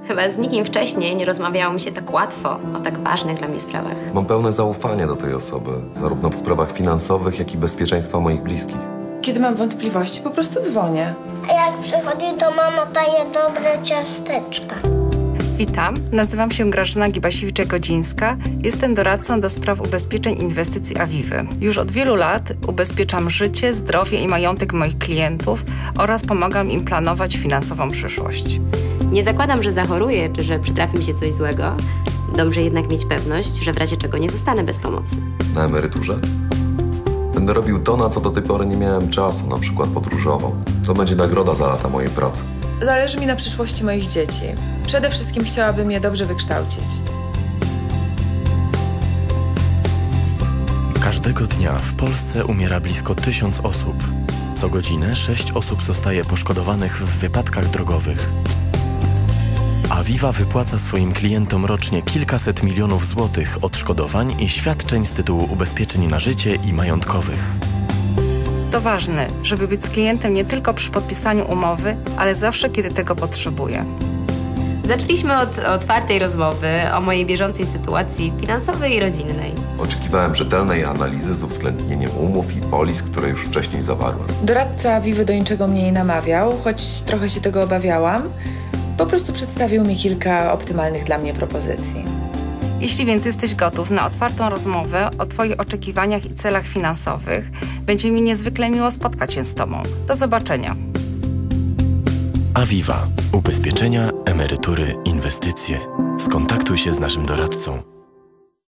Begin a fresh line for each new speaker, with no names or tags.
Chyba z nikim wcześniej nie rozmawiało mi się tak łatwo o tak ważnych dla mnie sprawach.
Mam pełne zaufanie do tej osoby, zarówno w sprawach finansowych, jak i bezpieczeństwa moich bliskich.
Kiedy mam wątpliwości, po prostu dzwonię.
A jak przychodzi, to mama daje dobre ciasteczka.
Witam, nazywam się Grażyna Gibasiewicz-Godzińska. Jestem doradcą do spraw ubezpieczeń inwestycji Aviwy. Już od wielu lat ubezpieczam życie, zdrowie i majątek moich klientów oraz pomagam im planować finansową przyszłość.
Nie zakładam, że zachoruję, czy że przytrafi mi się coś złego. Dobrze jednak mieć pewność, że w razie czego nie zostanę bez pomocy.
Na emeryturze? Będę robił to, na co do tej pory nie miałem czasu, na przykład podróżował. To będzie nagroda za lata mojej pracy.
Zależy mi na przyszłości moich dzieci. Przede wszystkim chciałabym je dobrze wykształcić.
Każdego dnia w Polsce umiera blisko 1000 osób. Co godzinę 6 osób zostaje poszkodowanych w wypadkach drogowych. Aviva wypłaca swoim klientom rocznie kilkaset milionów złotych odszkodowań i świadczeń z tytułu ubezpieczeń na życie i majątkowych.
To ważne, żeby być z klientem nie tylko przy podpisaniu umowy, ale zawsze, kiedy tego potrzebuje.
Zaczęliśmy od otwartej rozmowy o mojej bieżącej sytuacji finansowej i rodzinnej.
Oczekiwałem rzetelnej analizy z uwzględnieniem umów i polis, które już wcześniej zawarłem.
Doradca Avivy do niczego mnie nie namawiał, choć trochę się tego obawiałam. Po prostu przedstawił mi kilka optymalnych dla mnie propozycji.
Jeśli więc jesteś gotów na otwartą rozmowę o Twoich oczekiwaniach i celach finansowych, będzie mi niezwykle miło spotkać się z Tobą. Do zobaczenia.
Aviva. Ubezpieczenia, emerytury, inwestycje. Skontaktuj się z naszym doradcą.